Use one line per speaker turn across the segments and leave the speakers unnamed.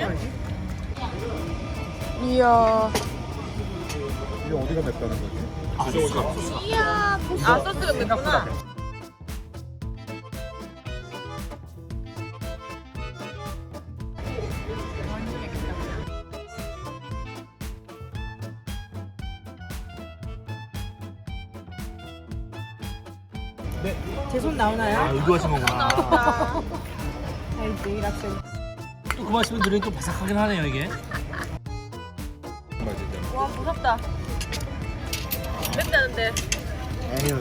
이야.
이게 어디가 맵다는 거지?
이야. 아, 소스가 맵구나.
네.
제 손 나오나요?
아, 의도하신 거구나.
알지, 이락생.
또 그 말씀을 들으니 또 바삭하긴 하네요, 이게.
맛이죠.
와, 무섭다. 맵다는데.
에휴,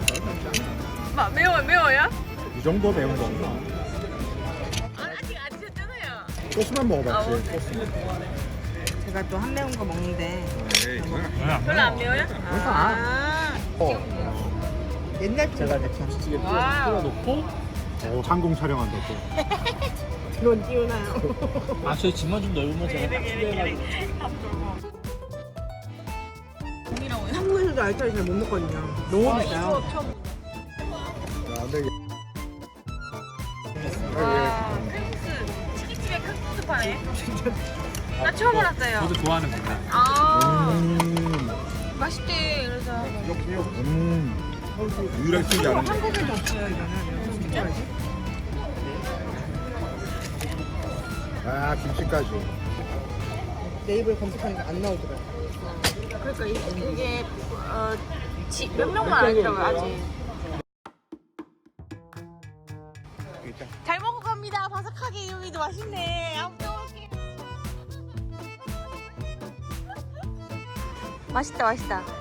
매워요?
이 정도 매운 거 없나?
아직 안 드셨잖아요.
소스만 먹어봤지.
아,
소스만.
제가 또 한 매운 거 먹는데
에이,
별로 안 매워요? 아.
옛날
제가 이제 김치찌개
와우.
끓여놓고 항공 촬영한다 또.
넌 띄우나요?
아, 저희 집만 좀 넓으면 제가 딱 준비해가지고.
한국에서도 알짜리 잘 못 먹거든요. 너무 비싸요.
야, 근데
와, 칼국수. 치킨집에 칼국수 파네. 나 처음 알았어요.
저도 좋아하는 겁니다.
아, 맛있대. 그래서.
유일하게 쓰지 않은 거.
한국에도 없어요, 이거는. 진짜 알지?
아, 김치까지.
네이버에 검색하니까 안 나오더라고요.
그러니까 이게 몇 명만 알더라고요, 아직. 잘 먹고 갑니다. 바삭하게 유미도 맛있네. 한번 먹을게요. 맛있다, 맛있다.